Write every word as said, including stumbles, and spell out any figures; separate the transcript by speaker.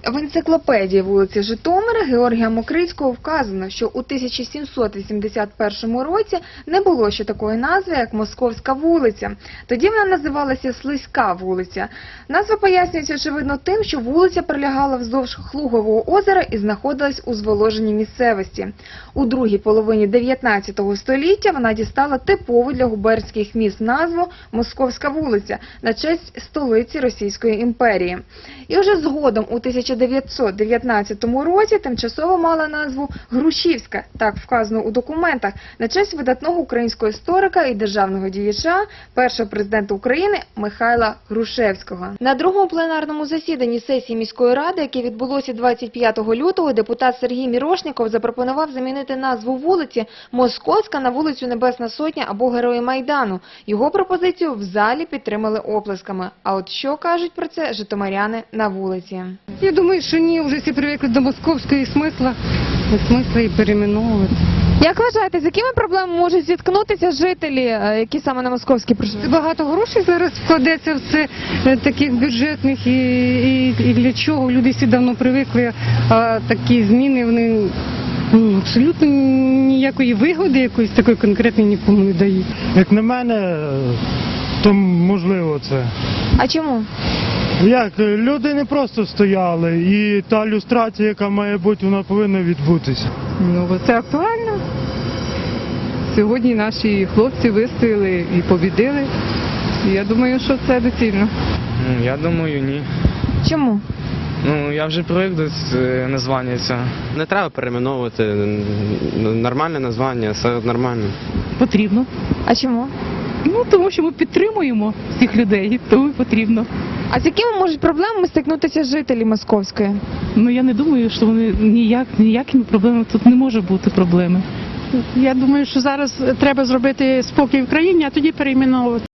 Speaker 1: В енциклопедії вулиці Житомира Георгія Мокрицького вказано, що у тисяча сімсот вісімдесят першому році не було ще такої назви, як Московська вулиця. Тоді вона називалася Слизька вулиця. Назва пояснюється, очевидно, тим, що вулиця пролягала вздовж Хлугового озера і знаходилась у зволоженій місцевості. У другій половині дев'ятнадцятого століття вона дістала типову для губернських міст назву Московська вулиця на честь столиці Російської імперії. І вже згодом у тисяча дев'ятсот дев'ятнадцятому році тимчасово мала назву Грушівська, так вказано у документах, на честь видатного українського історика і державного діяча, першого президента України Михайла Грушевського. На другому пленарному засіданні сесії міської ради, яке відбулося двадцять п'ятого лютого, депутат Сергій Мірошніков запропонував замінити назву вулиці Московська на вулицю Небесна Сотня або Герої Майдану. Його пропозицію в залі підтримали оплесками. А от що кажуть про це житомиряни на вулиці?
Speaker 2: Я думаю, що ні, вже всі привикли до московської смисла, смисла і перейменовувати.
Speaker 1: Як вважаєте, з якими проблемами можуть зіткнутися жителі, які саме на Московській проживають?
Speaker 2: Багато грошей зараз вкладеться в це, таких бюджетних, і, і, і для чого? Люди всі давно привикли, а такі зміни, вони ну, абсолютно ніякої вигоди якоїсь такої конкретної нікому не дають.
Speaker 3: Як на мене, то можливо це.
Speaker 1: А чому?
Speaker 3: Як? Люди не просто стояли, і та люстрація, яка має бути, вона повинна відбутися.
Speaker 4: Ну, бо це актуально. Сьогодні наші хлопці вистояли і побідили. І я думаю, що це доцільно.
Speaker 5: Я думаю, ні.
Speaker 1: Чому?
Speaker 5: Ну, я вже привик до е, названня цього.
Speaker 6: Не треба перейменовувати, нормальне названня, все нормально.
Speaker 7: Потрібно.
Speaker 1: А чому?
Speaker 7: Ну, тому що ми підтримуємо всіх людей, тому і потрібно.
Speaker 1: А з якими можуть проблемами стикнутися жителі Московської?
Speaker 7: Ну, я не думаю, що вони ніяк, ніякими проблемами, тут не може бути проблеми.
Speaker 8: Я думаю, що зараз треба зробити спокій в країні, а тоді перейменовувати.